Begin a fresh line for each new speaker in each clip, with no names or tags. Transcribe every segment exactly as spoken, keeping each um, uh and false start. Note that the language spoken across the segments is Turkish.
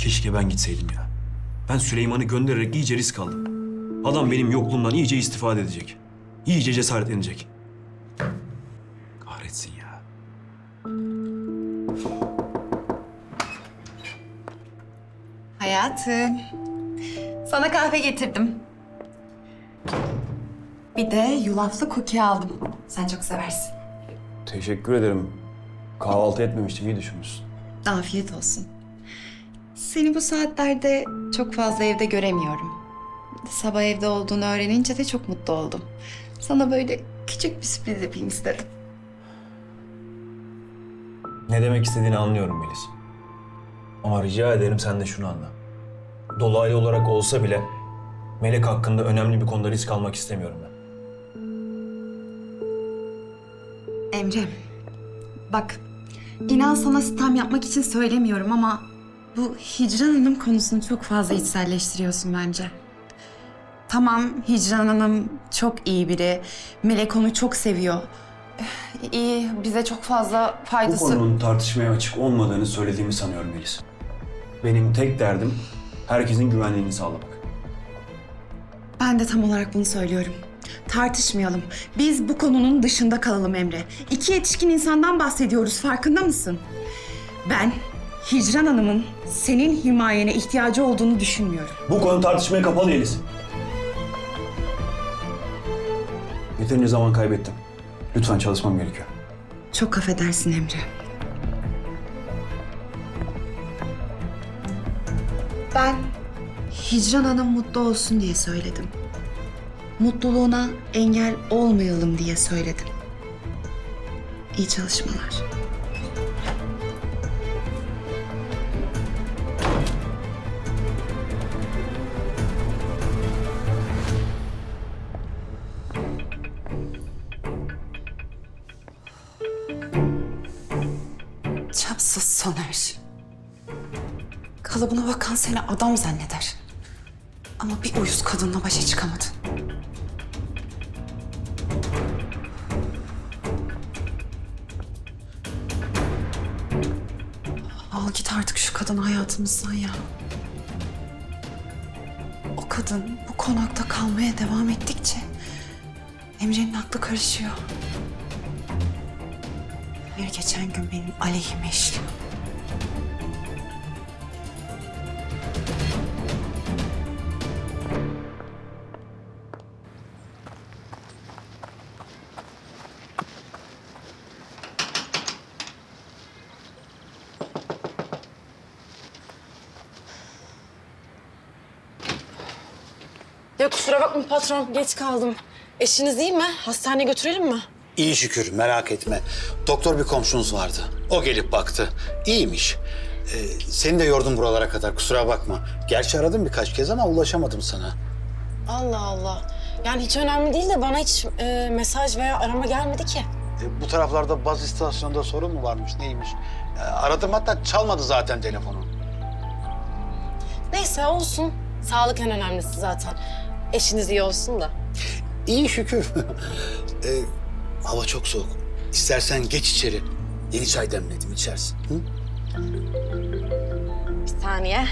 Keşke ben gitseydim ya. Ben Süleyman'ı göndererek iyice risk aldım. Adam benim yokluğumdan iyice istifade edecek. İyice cesaretlenecek. Kahretsin ya.
Hayatım, sana kahve getirdim. Bir de yulaflı cookie aldım. Sen çok seversin.
Teşekkür ederim. Kahvaltı etmemiştim, iyi düşünmüşsün.
Afiyet olsun. Seni bu saatlerde çok fazla evde göremiyorum. Sabah evde olduğunu öğrenince de çok mutlu oldum. Sana böyle küçük bir sürpriz yapayım istedim.
Ne demek istediğini anlıyorum Melis. Ama rica ederim sen de şunu anla. Dolaylı olarak olsa bile Melek hakkında önemli bir konuda risk almak istemiyorum ben.
Emre, bak inan sana sitem yapmak için söylemiyorum ama bu Hicran Hanım konusunu çok fazla içselleştiriyorsun bence. Tamam, Hicran Hanım çok iyi biri. Melek onu çok seviyor. Eh, İyi, bize çok fazla
Bu
faydası...
konunun tartışmaya açık olmadığını söylediğimi sanıyorum Melis. Benim tek derdim herkesin güvenliğini sağlamak.
Ben de tam olarak bunu söylüyorum. Tartışmayalım. Biz bu konunun dışında kalalım Emre. İki yetişkin insandan bahsediyoruz, farkında mısın? Ben Hicran Hanım'ın senin himayene ihtiyacı olduğunu düşünmüyorum.
Bu konu tartışmaya kapalı Melis. Yeterince zaman kaybettim. Lütfen çalışmam gerekiyor.
Çok affedersin Emre. Ben Hicran Hanım mutlu olsun diye söyledim. Mutluluğuna engel olmayalım diye söyledim. İyi çalışmalar. Çapsız Soner. Kalıbına bakan seni adam zanneder. Ama bir uyuz kadınla başa çıkamadın. Al git artık şu kadını hayatımızdan ya. O kadın bu konakta kalmaya devam ettikçe Emre'nin aklı karışıyor. Her geçen gün benim aleyhime işliyor.
Ya kusura bakma patron, geç kaldım. Eşiniz iyi mi? Hastaneye götürelim mi?
İyi şükür, merak etme. Doktor bir komşunuz vardı. O gelip baktı. İyiymiş. Ee, seni de yordum buralara kadar, kusura bakma. Gerçi aradım birkaç kez ama ulaşamadım sana.
Allah Allah. Yani hiç önemli değil de bana hiç e, mesaj veya arama gelmedi ki.
Ee, bu taraflarda baz istasyonunda sorun mu varmış, neymiş? Ee, aradım, hatta çalmadı zaten telefonu.
Neyse olsun. Sağlık en önemlisi zaten. Eşiniz iyi olsun da.
İyi şükür. ee, hava çok soğuk. İstersen geç içeri. Yeni çay demledim, içersin. Hı?
Bir saniye.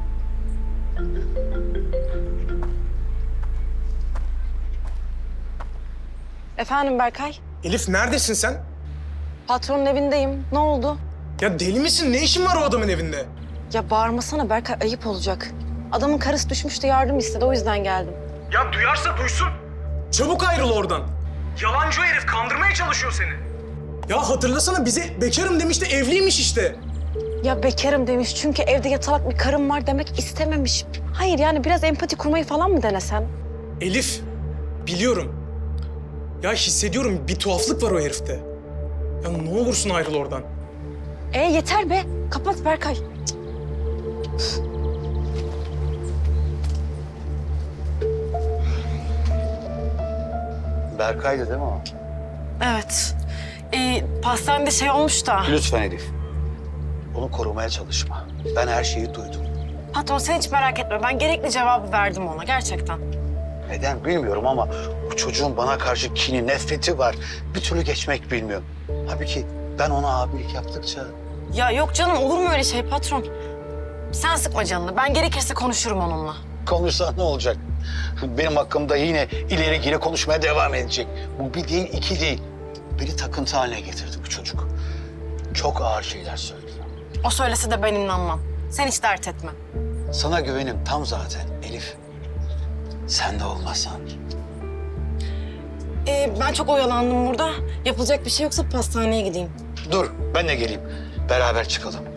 Efendim Berkay?
Elif neredesin sen?
Patronun evindeyim. Ne oldu?
Ya deli misin? Ne işin var o adamın evinde?
Ya bağırmasana Berkay, ayıp olacak. Adamın karısı düşmüş de yardım istedi, o yüzden geldim.
Ya duyarsa duysun. Çabuk ayrıl oradan. Yalancı o herif, kandırmaya çalışıyor seni. Ya hatırlasana, bize bekarım demişti, evliymiş işte.
Ya bekarım demiş çünkü evde yatalak bir karım var demek istememiş. Hayır yani biraz empati kurmayı falan mı denesen?
Elif, biliyorum. Ya hissediyorum, bir tuhaflık var o herifte. Ya ne olursun ayrıl oradan.
E yeter be, kapat Berkay.
Berkay'dı değil mi o?
Evet. Ee, pastanede şey olmuş da.
Lütfen Elif. Onu korumaya çalışma. Ben her şeyi duydum.
Patron sen hiç merak etme. Ben gerekli cevabı verdim ona gerçekten.
Neden bilmiyorum ama bu çocuğun bana karşı kini, nefreti var. Bir türlü geçmek bilmiyorum. Halbuki ben ona abilik yaptıkça...
Ya yok canım, olur mu öyle şey patron? Sen sıkma canını. Ben gerekirse konuşurum onunla.
Konuşsa ne olacak? Benim hakkımda yine ileri geri konuşmaya devam edecek. Bu bir değil, iki değil. Beni takıntı haline getirdi bu çocuk. Çok ağır şeyler söylüyor.
O söylese de ben inanmam. Sen hiç dert etme.
Sana güvenim tam zaten Elif. Sen de olmasan.
Ee, ben çok oyalandım burada. Yapılacak bir şey yoksa pastaneye gideyim.
Dur, ben de geleyim. Beraber çıkalım.